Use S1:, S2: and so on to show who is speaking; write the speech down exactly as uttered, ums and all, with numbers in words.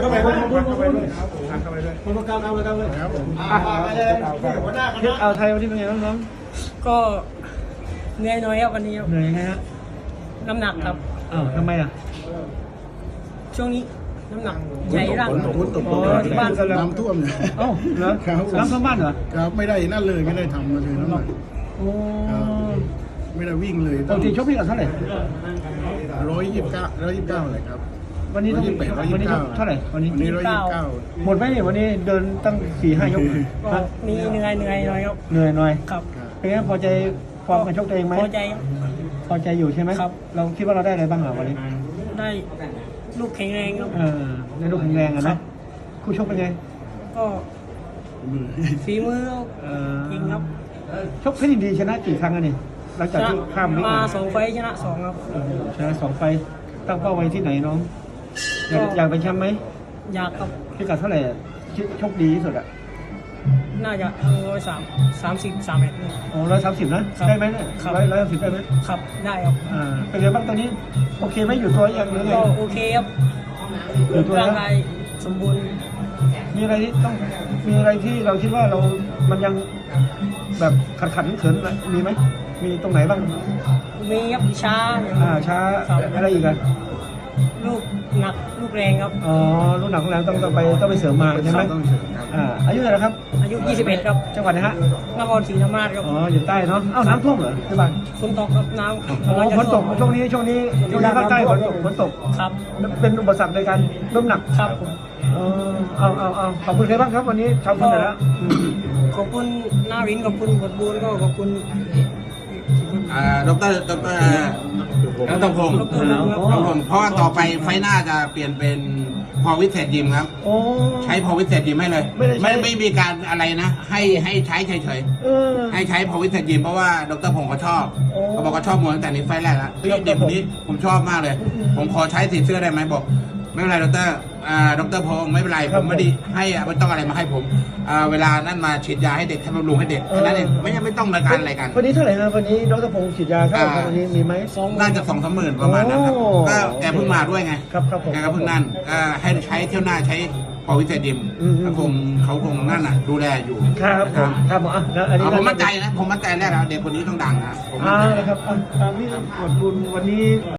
S1: เข้าไปด้วยเข้าไปด้วยเข้าไปด้วยคนประกาศเอาเลยครับเลยครับผมเทปเอาไทยวันนี้เป็นไงน้อง
S2: ก็เหนื่อยน้อยครับวันนี้ครับ
S1: เหนื่อยยังไงฮะ
S2: น้ำหนักครับ
S1: อ้าวทำไมอ่ะ
S2: ช่วงนี้น้ำหนักใหญ่ร่าง
S3: ฝนตกฝนตก
S1: อ๋อที่บ้านก็แล้ว
S3: น้ำท่วมเนี่ย
S1: เอ้าเหรอ
S3: ครับ
S1: น้ำท่วมบ้านเหรอ
S3: ครับไม่ได้นั่นเลยไม่ได้ทำมาเลยน้ำหนัก
S1: โอ้
S3: ไม่ได้วิ่งเลย
S1: ปกติชกพี่กับเท่าไหร่
S3: ร้อยยี่สิบเก้าร้อยยี่สิบเก้าเลยครับ
S1: วันนี้ต้อง
S3: ร้อยยี่สิบแปดร้อย
S1: วั
S3: ยี่
S1: น
S3: สิ
S1: นี้
S3: บ
S1: ช
S3: เก้าก
S1: เท่าไหร่วันนี้
S3: วันนี้ร้อยยี่สิบเก้า
S1: หมดไหมเนี่ยวันนี้เดินตั้งสี่ห้ายก
S2: ก็
S1: ฮะ
S2: มีเหนื่อยเหนื่อยน้อยครับ
S1: เหนื่อยหน่อย
S2: ครับ
S1: เป็นไงพอใจฟอร์มการชกตัวเองไหม
S2: พอใจครับ
S1: พอใจอยู่ใช่ไหม
S2: ครับ
S1: เราคิดว่าเราได้อะไรบ้างอ่ะวันนี้
S2: ได้ลูกแข็งแรงครับ
S1: เออในลูกแข็งแรงอะ
S2: ครั
S1: นะ
S2: บ
S1: คู่ชกเป็นไง
S2: ก็ฝีมือ
S1: เออ
S2: จริงครับ
S1: ชกเพชรยินดีชนะกี่ครั้งอะนี่หลัง
S2: ช
S1: จาก
S2: นะ
S1: ที่ข้ามวิก
S2: มา
S1: มา
S2: สองไฟล์ชนะสองครับ
S1: โอ้โหชนะสองไฟต์ตั้งเป้าไว้ที่ไหนน้อง อยาก
S2: ก็
S1: อยากเป็นแชมป์ไหม
S2: อยากครับ
S1: พิกัดเท่าไหร่อะคิดโชคดีที่สุดอ่ะ
S2: น่าจะร้อยสามสามสิบสามเอ็ด
S1: โอ้ร้อยสามสิบนะครับ ได้ไหมเนี่ย
S2: ครับ
S1: ร้อยร้อยสามสิบได้ไหม
S2: ครับได้ครับ
S1: อ่าเป็นไงบ้างตอนนี้โอเคไหมอยู่ตัวยังหรือไง
S2: ก็โอเคครับ
S1: อยู่ตัว
S2: ร่าง
S1: แล้ว
S2: กายสมบูรณ์
S1: มีอะไรที่ต้องมีอะไรที่เราคิดว่าเรา มันยังแบบขัดขัดเขินๆนะมีไหมมีตรงไหนบ้าง
S2: มีครับช้าอย่าง
S1: อ่าช้า
S2: ครับ
S1: อะไรอีกอะ
S2: ลูกหนักลูกแรงครับ
S1: อ๋อรุ่นหนักของแรงต้องต้องไปต้องไปเสริมมาใช่ไหม
S3: ต้องเสริมครับ
S1: อ่าอายุเท่าไหร่ครับ
S2: อายุยี่สิบเอ็ดครับ
S1: จังหวัดไหนฮะ
S2: นครศรีธรรมราชครับ
S1: อ๋ออยู่ใต้เนาะเอ้าน้ำท่วมเหรอที่บ้าน
S2: ฝนตกครับน้ำ
S1: อ๋อฝนตกช่วงนี้ช่วงนี้ช่วงนี้ภาคใต้ฝนตกฝนตก
S2: ครับ
S1: เป็นอุปสรรคในการน้ำหนัก
S2: ครับผม
S1: เออเอาเอาเอาขอบคุณใครบ้างครับวันนี้ทำคนไหนแล้วอืม
S2: ขอบคุณนารินขอบคุณบทบูนก็ขอบคุณ
S4: อ่าดรดรนัทพงศ์
S2: ดรนัทพงศ์
S4: ครับผมเพราะว่าต่อไปไฟหน้าจะเปลี่ยนเป็นพอวิเศษยิมครับ
S1: โอ้
S4: ใช้พอวิเศษยิมให้เลย
S1: ไม่ได้ใช้
S4: ไม่ไม่มีการอะไรนะ ให้ให้ใช้เฉย
S1: เออ
S4: ๆให้ใช้พอวิเศษยิมเพราะว่าดรพงศ์เขาชอบ
S1: โอ้
S4: เขาบอกเขาชอบมวยตั้งแต่นี้ไฟแรกแล้วพี่เด็กคนนี้ผมชอบมากเลย ผมขอใช้สีเสื้อได้ไหมบอก ไม่เป็นไรดรอ่าดรพงศ์ไม่เป็นไรผมไม่ได้ให้ไม่ต้องอะไรมาให้ผมอ่าเวลานั่นมาฉีดยาให้เด็กให้บำรุงให้เด็กแค่นั้นเองไม่ไม่ต้องมาการอะไรกัน
S1: วันนี้เท่าไหร่ครับวันนี้ดรพงศ์ฉีดยาเท่าไหร่ครับวันนี้มีไหม
S2: สอง
S4: น่าจะสองสามหมื่นประมาณนั้นครับ
S1: โอ้
S4: ก็แกเพิ่งมาด้วยไง
S1: ครับครับผม
S4: แกก็เพิ่งนั่นก็ให้ใช้เที่ยวหน้าใช้ปอวิเศษยิม
S1: อืมอืม
S4: เขาคงเขาคงนั่นน่ะ ดูแลอยู่
S1: ครับผมครับผมอ่ะแล้วอันนี้
S4: เอาผมมั่นใจนะ ผมมั่นใจแรกแล้วเด็กคนนี้ต้องดังนะผมมั่น
S1: อ่า
S4: ใจ
S1: นะครับอ่ะตามที่กดบุญวันนี้